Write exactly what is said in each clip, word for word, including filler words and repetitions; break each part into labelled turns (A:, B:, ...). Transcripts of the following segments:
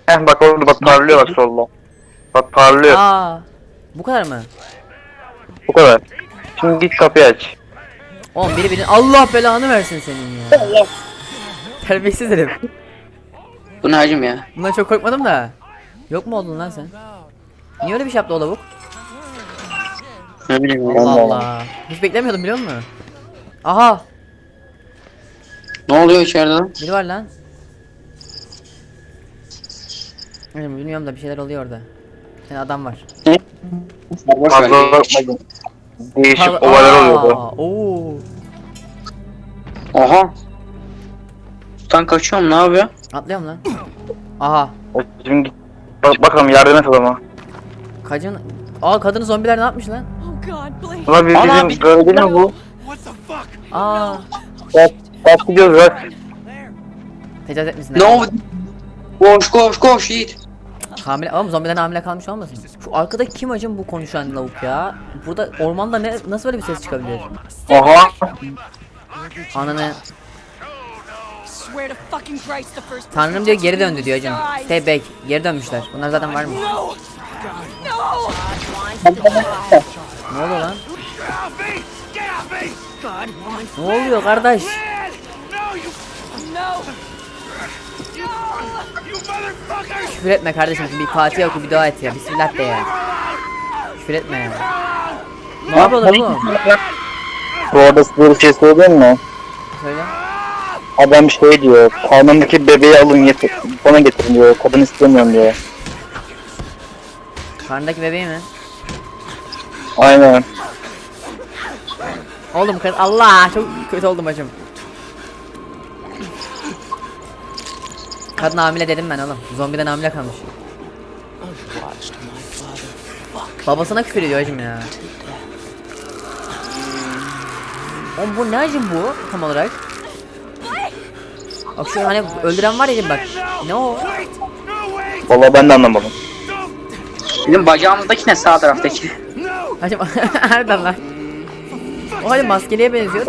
A: Heh bak orada bak parlıyor bak solda. Bak parlıyor.
B: Aa, bu kadar mı?
A: Bu kadar. Şimdi git kapıyı aç.
B: Oğlum biri biri Allah belanı versin senin ya. Terbiyesiz herif.
C: Bu ne hacım ya?
B: Bundan çok korkmadım da. Yok mu oldun lan sen? Niye öyle bir şey yaptı o lavuk?
C: Ne bileyim ya.
B: Allah Allah. Hiç beklemiyordum biliyor musun? Aha,
C: Ne oluyor içeride lan?
B: biri var lan. Bilmiyorum, bilmiyorum da bir şeyler oluyor orada. Bir tane adam var.
C: Ne? Sarhoş
A: Fazla
C: galiba.
A: bakmadım. Değişik
B: Aa,
A: olaylar oluyordu.
B: Oo.
C: Aha. Sultan kaçıyorum, ne yapıyor?
B: Atlıyorum lan. Aha.
A: Şimdi git. Bak bakalım yardım et adama.
B: Kadın. Aa, kadını zombiler ne yapmış lan?
D: Oh God, please.
A: Ulan bir
C: Ana,
A: bizim
C: bir-
A: gördün mü bu?
B: Aa.
A: Bak bak gidiyoruz bak.
B: Tecavüz etmesin.
C: Ne oldu? Koş koş koş Yiğit.
B: Hamile, oğlum zombiden hamile kalmış olmasın? Şu arkadaki kim acım bu konuşan lavuk ya? Burada ormanda ne nasıl böyle bir ses çıkabilir?
A: Oha.
B: Ananı.
D: Swear to fucking Christ, the first.
B: Tanrım diyor geri döndü diyor hacım. Stay back. Geri dönmüşler. Bunlar zaten var mı?
D: No. No.
B: Ne oluyor lan?
D: God wants.
B: Ne oluyor kardeş?
D: No.
B: Küfür etme kardeşim. Bir Fatiha oku, bir dua et ya. Bismillah de ya. Küfür etme ya. Ne yapıyorlar oğlum?
A: Bu arada size bir şey söyleyeyim mi?
B: Söyle.
A: Adam şey diyor. Karnındaki bebeği alın getir. Bana getirin diyor. Kadın istemiyorum diyor.
B: Karnındaki bebeği mi?
A: Aynen.
B: Oğlum kız Allah çok kötü oldum hacım. Kadın hamile dedim ben oğlum. Zombiden hamile kalmış. Babasına küfür ediyor hacım ya. Oğlum bu ne hacım bu tam olarak? Bak şu hani öldüren var ya bak. Ne o?
A: Vallahi ben de anlamadım.
C: Bizim bacağımızdaki ne, sağ taraftaki?
B: Hacım nereden lan? O hadi maskeliye benziyor.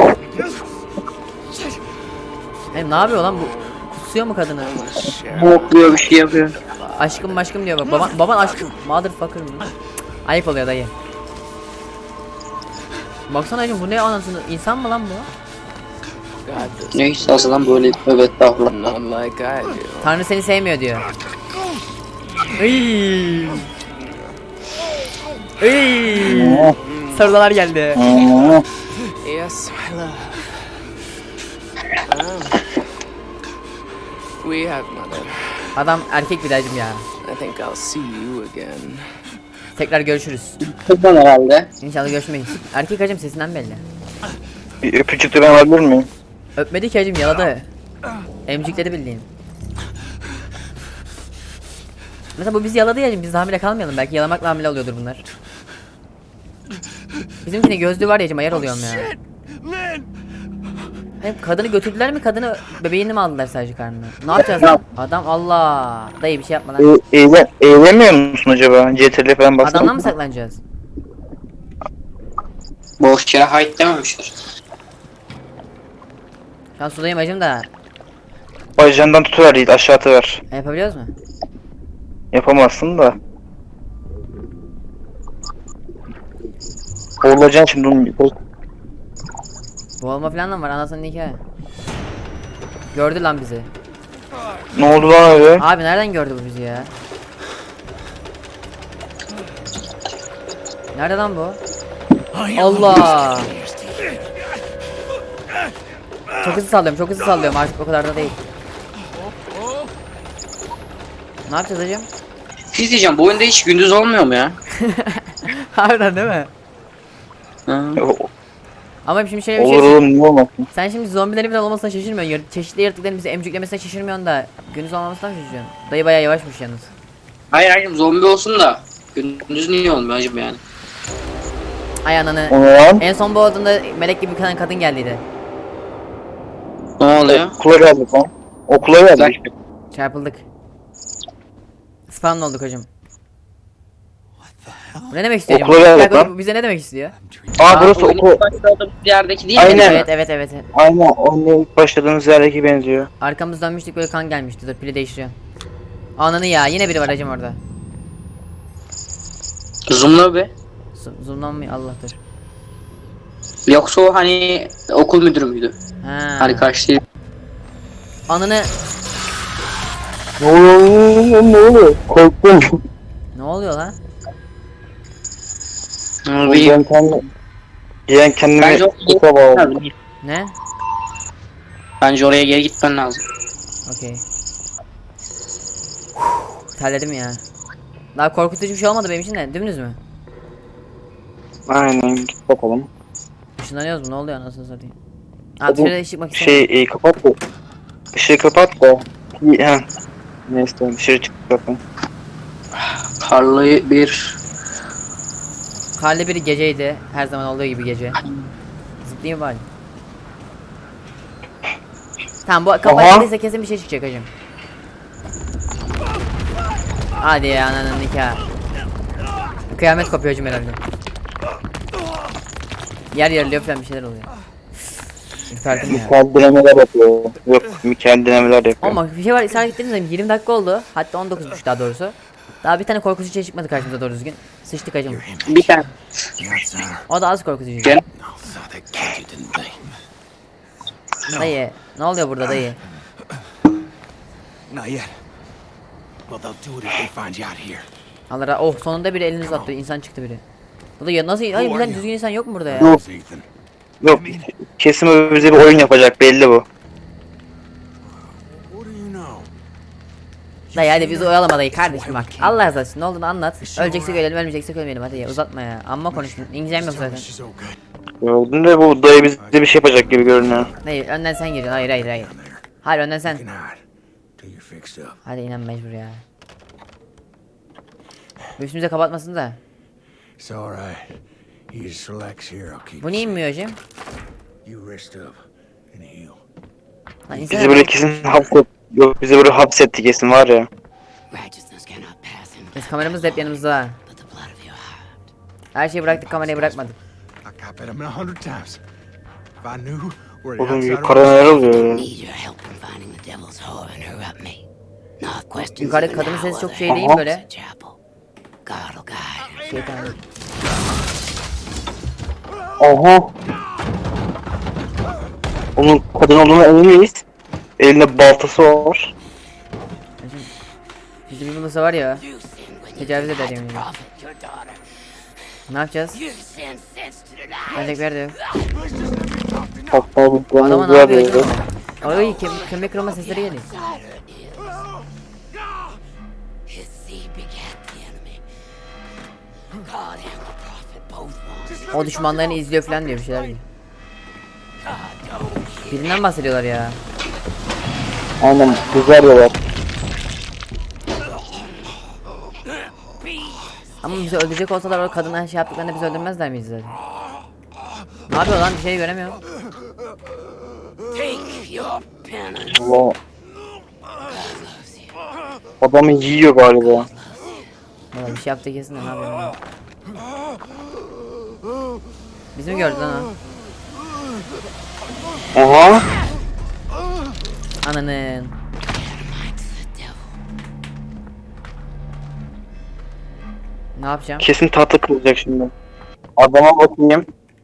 B: Hem ne yapıyor lan bu? Kusuyor mu kadını?
C: Mokluyor, bir şey yapıyor.
B: Aşkım maşkım diyor bak. Baban, baban aşkım. Motherfucker mı? Ayıp oluyor dayı. Baksana hacım bu ne anasını? İnsan mı lan bu?
C: Neyse aslan böyle, evet estağfurullah.
E: Not like I do.
B: Tanrı seni sevmiyor diyor. Iy. Iy. Sarılar geldi.
E: Yes, my love. Um, we have mother.
B: Adam erkek bir de hacım ya.
E: I think I'll see you again.
B: Tekrar görüşürüz.
C: Kızdan herhalde.
B: İnşallah görüşmeyiz. Erkek hacım sesinden belli.
A: Bir öpücük de ben alabilir miyim?
B: Öpmedi ki hacım yaladı. Emcikledi bildiğin. Mesela bu bizi yaladı ya hacım, biz de hamile kalmayalım. Belki yalamakla hamile oluyordur bunlar. Bizimkine gözlüğü var ya hacım, ayar oluyorum ya. Hem kadını götürdüler mi, kadını bebeğini mi aldılar sadece karnına? Ne yapacağız lan? Adam Allah. Dayı bir şey yapma lan.
A: E, eğlen, eğlenmiyor musun acaba? C T R L falan baksana.
B: Adamdan mı saklanacağız?
C: Boş yere hayt dememişler.
B: Şu an sudayım hacım da.
A: Bacağından tutuver Yiğit, aşağı atıver.
B: Yapabiliyoruz mu?
A: Yapamazsın da. Boğulacaksın şimdi onun yukarı.
B: Boğulma falan da var anasının nikahı. Gördü lan bizi.
A: Ne oldu lan öyle?
B: Abi nereden gördü bu bizi ya? Nerede lan bu? Allah! Çok hızlı sallıyorum, çok hızlı sallıyorum artık o kadar da değil. Ne yapacağız hocam?
C: Bir şey diyeceğim, bu oyunda hiç gündüz olmuyor mu ya?
B: Harbiden değil mi?
C: Hı.
B: Ama şimdi şöyle bir
A: Olur
B: şey.
A: oğlum, niye olmasın?
B: Sen şimdi zombilerin falan olmasına şaşırmıyorsun. Yar- Çeşitli yaratıkların bizi emcüklemesine şaşırmıyorsun da gündüz olmamasından şaşırıyorsun. Dayı bayağı yavaşmış yalnız.
C: Hayır hayır, zombi olsun da gündüz niye olmuyor acaba yani?
B: Ay ananı.
A: O ne lan?
B: En son boğduğunda melek gibi bir tane kadın geldiydi.
C: Ne oluyor?
A: Okula geldik lan. Okula geldik.
B: Çarpıldık. Spawn olduk hocam. Bu ne demek istiyor?
A: Okula
B: hocam?
A: geldik
B: Bir dakika,
A: lan.
B: bu bize ne demek istiyor?
A: Aa burası
C: oyunun
A: okul.
C: başladığımız yerdeki değil mi?
A: Aynen.
B: Evet evet evet.
A: Aynen, onun ilk başladığınız yerdeki benziyor.
B: Arkamız dönmüştük böyle kan gelmişti. Dur pili değiştiriyorum. Ananı ya, yine biri var hacım orada.
C: Zoom'la be.
B: Z- Zoomlanmıyor Allah dur.
C: Yoksa o hani okul müdürü müydü?
B: Ha.
C: Hani karşı değil.
B: Ananı
A: Ne oluyor? Ne oluyor? Korktum.
B: ne oluyor lan?
C: Ama
A: Ben
C: bir
A: kendimi... Ben kendimi
C: Bence o-
A: kupa bağladım.
B: Ne?
C: Bence oraya geri gitmen lazım.
B: Okey. Terledim ya. Daha korkutucu bir şey olmadı benim için de. Dümdüz mü?
A: Aynen git bakalım.
B: Işınlanıyoruz mu? Ne oluyor anasını satayım? Ha
A: Hadi,
B: dışarıda çıkmak istemiyorum.
A: Şey e, kapat da. Işığı kapat da. İyi, he. Neyse dışarı çık zaten.
C: Karlı bir
B: Karlı bir geceydi. Her zaman olduğu gibi gece. Zıplayayım bari. Tamam bu kapıyı
A: Oha.
B: açtıysa kesin bir şey çıkacak hacım. Hadi ya ananın nikahı. Kıyamet kopuyor hacım herhalde. Yer yarılıyor falan bir şeyler oluyor. Ürperdim ya.
A: Mikael denemeler yapıyor. Yok Mikael denemeler yapıyor.
B: Ama bir şey var ısrar ettiğiniz zaman yirmi dakika oldu. Hatta on dokuzmuş daha doğrusu. Daha bir tane korkutucu şey çıkmadı karşımıza doğru düzgün. Sıçtık hacım.
C: bir tane.
B: O da az korkutucu.
C: Gel.
B: Dayı ne oluyor burada dayı?
F: Not yet. Well, they'll do it if they find you out here.
B: Allah ra- oh sonunda biri elini uzattı insan çıktı biri. Bu da ya nasıl hayır bir tane düzgün insan yok mu burada ya?
A: Yok.
F: Where's Ethan?
A: Yok. Kesin o bize bir oyun yapacak belli bu.
F: What do you know?
B: Dayı hadi bizi oyalama dayı kardeşim bak. Allah razı olsun ne olduğunu anlat. Öleceksek ölelim ölmeyeceksek ölmeyelim hadi ya uzatma ya. Amma konuştun. İngilizcem yok zaten.
F: She's okay.
A: Gördün de bu dayı bize bir şey yapacak gibi görünüyor.
B: Dayı önden sen giriyorsun hayır hayır hayır. Hayır önden sen.
F: You can hide till you're fixed up.
B: Hadi inan mecbur ya. Bu üstümüze kapatmasın da.
F: It's all right. You just relax here. I'll keep
B: Bu niye inmiyor hocam?
F: you rest up and heal.
B: Lan
A: Bizi
B: insan
A: böyle kesin hapset. Yok bizi böyle hapsetti kesin var ya.
G: Righteousness cannot pass in
B: biz kameramız da hep yanımızda ha.
G: but the blood of your heart.
B: Her şeyi bıraktık kamerayı bırakmadık.
F: I got bet him a hundred times. If I knew where the
A: Oğlum
F: outsider
A: yukarıda neler oluyor ya?
G: Need your help in finding the devil's whore and her up me. Not questions.
B: Yukarıdaki
G: even
B: kadının
G: now
B: sesi çok
G: whether
B: şey
G: it
B: değil
A: Aha.
B: böyle.
G: is a chapel. God will guide her.
B: Şeytan.
A: Aha. Onun kadın olduğuna emin miyiz? Elinde baltası var.
B: Hocam, bizde bir bulursa var ya.
G: You sin when you
B: Tecavüz eder yemin ederim.
G: profit your daughter.
B: Ne yapacağız?
G: You sin sense to the light.
B: Ölecekler de yok.
A: Hatta bu
B: Adama
A: planı
B: ne
A: var
B: yapıyor
A: ya.
B: hocam? Ay kem kemik kırılma sesleri geliyor.
G: His seed begat the enemy. God and the prophet both want.
B: O düşmanlarını izliyor falan diyor bir şeyler diyor. Birinden bahsediyorlar ya.
A: Aynen güzel diyorlar.
B: Ama bizi öldürecek olsalar o kadından şey yaptıklarında bizi öldürmezler miyiz zaten? Ne yapıyor lan bir şey göremiyorum.
G: Take your penance.
A: Allah. Adamı yiyor galiba.
B: Valla bir şey yaptı kesin de ne yapıyor? Bizi mi gördü lan o?
A: Aha.
B: Ananın. Ne yapacağım?
A: Kesin tahta kırılacak şimdi. Adama bakayım.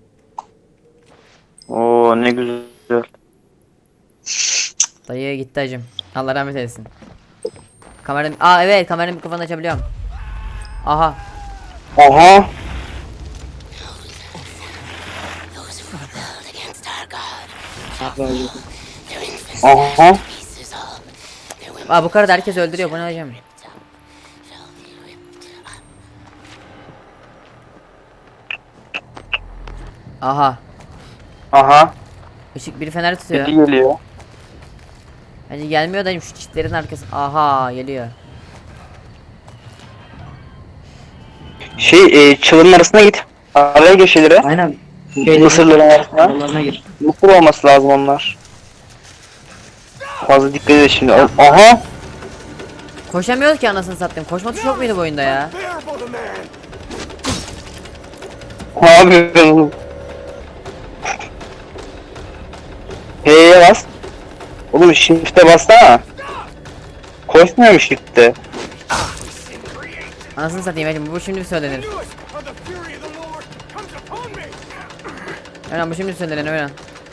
A: Oo ne güzel.
B: Dayı gitti hacım. Allah rahmet eylesin. Kameranın... Aa evet kameranın mikrofonunu açabiliyorum. Aha.
A: Aha.
G: Those who rebelled against our God. Their infants,
A: Aha.
G: pieces all. Their women
B: Aa bu karı da herkes öldürüyor bu ne hocam?
G: shall be whipped up.
B: Aha.
A: Aha.
B: Işık biri fener tutuyor.
A: Biri geliyor.
B: Hacı gelmiyor dayım şu çitlerin arkası. Aha geliyor.
A: Şey e, çalının arasına git. Araya gir şeylere.
C: Aynen.
A: Mısırların arasına.
C: Yollarına gir.
A: Mısır olması lazım onlar. Fazla dikkat edin şimdi. Aha.
B: Koşamıyoruz ki anasını sattım. Koşma tuşu yok muydu bu oyunda ya?
A: Ne yapıyorsun? H'ye bas. Oğlum shift'e bassana. Koşmuyormuş gitti.
B: Anasını satayım Ecem, bu şimdi bir söylenir. Öğren bu şimdi söylenir öğren.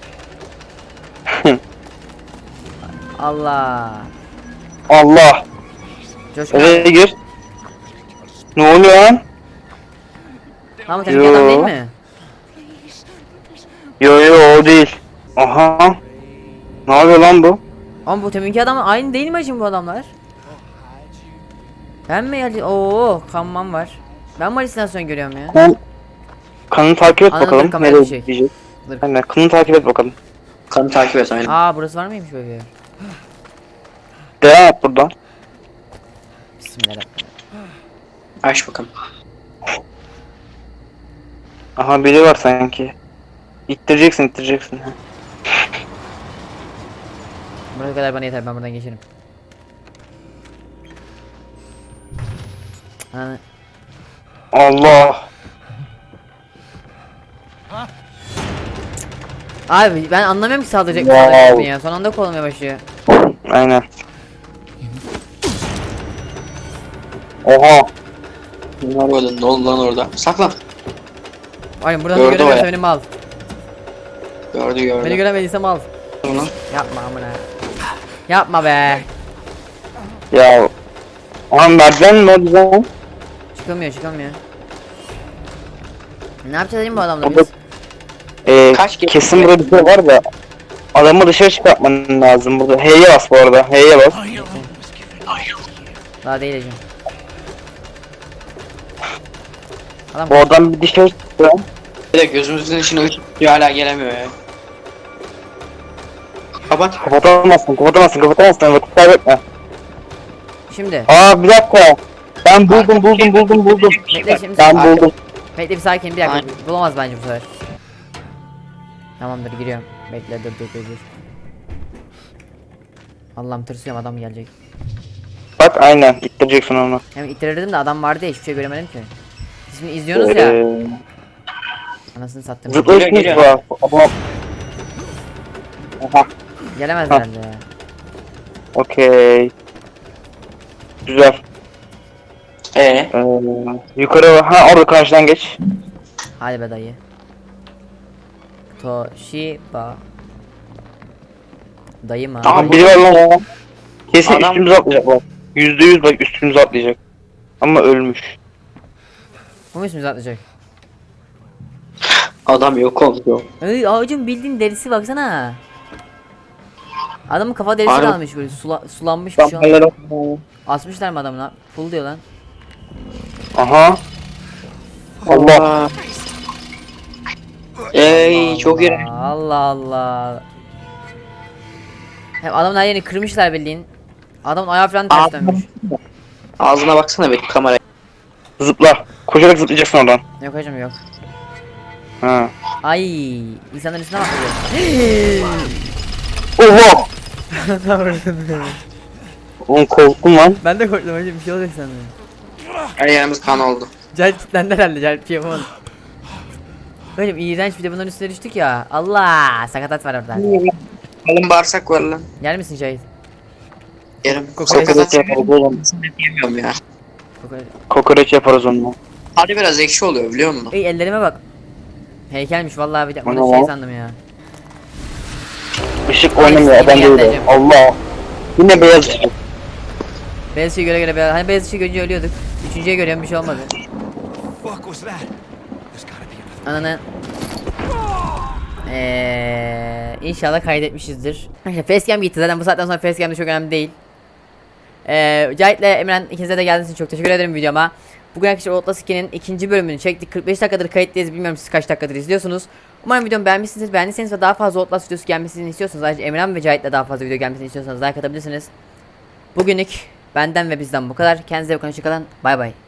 B: Allah.
A: Allah.
B: Coşkun.
A: Eve gir. Ne oluyor lan?
B: Lan bu tepki adam değil mi?
A: Yo yo o değil. Aha. Ne yapıyor lan bu?
B: Ama bu teminki adam aynı değil mi Ecem bu adamlar? Ben mi yani? Oo, kanman var. Ben mi halüsinasyon görüyorum ya?
A: Kan, kanını takip et
B: Anladım,
A: bakalım.
B: kamera
A: Nereye
B: bir şey.
A: gidecek?
B: Dur.
A: Aynen kanını takip et bakalım.
C: Kanı takip et aynen.
B: Aa, burası var mıymış böyle?
A: Devam et buradan.
B: Bismillahirrahmanirrahim.
C: Aç bakalım.
A: Aha biri var sanki. İttireceksin ittireceksin.
B: Buraya kadar bana yeter, ben buradan geçerim. Hani
A: Allah.
B: abi ben anlamıyorum ki saldıracak mı
A: Wow.
B: saldıracak mı ya. Son anda kolmaya başlıyor.
A: Aynen. Oha.
C: Ne oldu? Ne oldu lan orada? Saklan.
B: Aynen buradan
C: Gördü
B: da göremiyorsa
C: o ya.
B: beni mal.
C: Gördü gördü.
B: Beni göremediyse mal.
C: Onu.
B: Yapma amına. Yapma be.
A: Ya. Aha merdiven mi o güzel?
B: Çıkamıyor çıkamıyor. Ne yapacağız değil mi bu adamla
A: Burada-
B: biz?
A: Ee,
C: Kaç kere-
A: kesin burada bir şey var da. Adamı dışarı çıkartman lazım burada. H'ye bas bu arada. H'ye bas.
B: Daha değil Ecem. Adam
A: Bu adam bir dışarı çıktı.
C: Bir de gözümüzün içine ışık tutuyor, hala gelemiyor ya. Kapat.
A: Kapatamazsın kapatamazsın kapatamazsın. Vakit kaybetme.
B: şimdi.
A: Aa bir dakika. Ben buldum buldum buldum buldum.
B: Bekle şimdi.
A: Ben buldum.
B: Bekle bir sakin bir dakika.
C: Aynen.
B: Bulamaz bence bu sefer. Tamamdır giriyorum. Bekle dur dur dur dur. Allah'ım tırsıyorum, adam gelecek.
A: Bak aynen ittireceksin onu.
B: Hem ittirirdim de adam vardı ya, hiçbir şey göremedim ki. Siz şimdi izliyorsunuz ya.
A: Ee,
B: Anasını sattım.
A: zıplayışınız
C: Geliyor,
A: var. Adam. Aha.
B: Gelemez
A: Ha.
B: herhalde ya.
A: Okey. Güzel.
C: Ee,
A: Ee, yukarı ha orada karşıdan geç.
B: Hadi be dayı. Toshiba. Dayı mı?
A: Aha biri var lan o. Kesin
C: Adam-
A: üstümüze atlayacak bak. Yüzde yüz bak üstümüze atlayacak. Ama ölmüş.
B: Bu mu ismimizi atlayacak?
C: adam yok oldu.
B: Ay ağacın bildiğin derisi baksana. Adamın kafa derisi
C: Harbi.
B: kalmış böyle sula, sulanmış bir şey olmuş.
A: Damlalara-
B: Asmışlar mı adamına? Full diyor lan.
A: Aha. Allah.
C: Ey çok iyi.
B: Allah Allah. Hem adamın her yerini kırmışlar bildiğin. Adamın ayağı falan ters
C: Abi.
B: dönmüş.
C: Ağzına baksana bir kamera.
A: Zıpla. Koşarak zıplayacaksın oradan.
B: Yok hocam yok.
A: Ha.
B: Ay, insanların üstüne bakıyor.
A: Oha. Oğlum korktum lan.
B: Ben de korktum hocam, bir şey olacak sandım.
C: Her yerimiz kan oldu.
B: Cahil kilitlendi herhalde, Cahil bir şey yapamadı. Hocam iğrenç, bir de bunların üstüne düştük ya. Allah, sakatat var orada.
C: Kalın bağırsak var lan.
B: Yer misin Cahil?
C: Yerim.
B: Kokoreç
C: Sakatat
A: yaparız oğlum.
C: yemiyorum ya.
B: Kokoreç.
A: Kokoreç yaparız onunla.
C: Hadi biraz ekşi oluyor biliyor musun?
B: Ey ellerime bak. Heykelmiş vallahi, bir de
A: Ana
B: bunu şey
A: lan.
B: sandım ya.
A: Işık oynamıyor adam
B: Yemin
A: değil.
B: ederim.
A: Allah. Yine beyaz ışık.
B: Beyaz ışığı göre göre beyaz. Hani beyaz ışığı görünce ölüyorduk. Üçüncüye görüyorum, bir şey olmadı.
F: Fuck was that? There's gotta be another.
B: Ananı. Eee inşallah kaydetmişizdir. İşte facecam gitti zaten, bu saatten sonra facecam de çok önemli değil. Eee Cahit'le Emren, ikinize de geldiğiniz için çok teşekkür ederim videoma. Bugün arkadaşlar Outlast iki'nin ikinci bölümünü çektik. kırk beş dakikadır kayıttayız, bilmiyorum siz kaç dakikadır izliyorsunuz. Umarım videomu beğenmişsiniz. Beğendiyseniz ve daha fazla Outlast videosu gelmesini istiyorsanız, ayrıca Emren ve Cahit'le daha fazla video gelmesini istiyorsanız like atabilirsiniz. Bugünlük benden ve bizden bu kadar. Kendinize iyi bakın, hoşça kalın. Bay bay.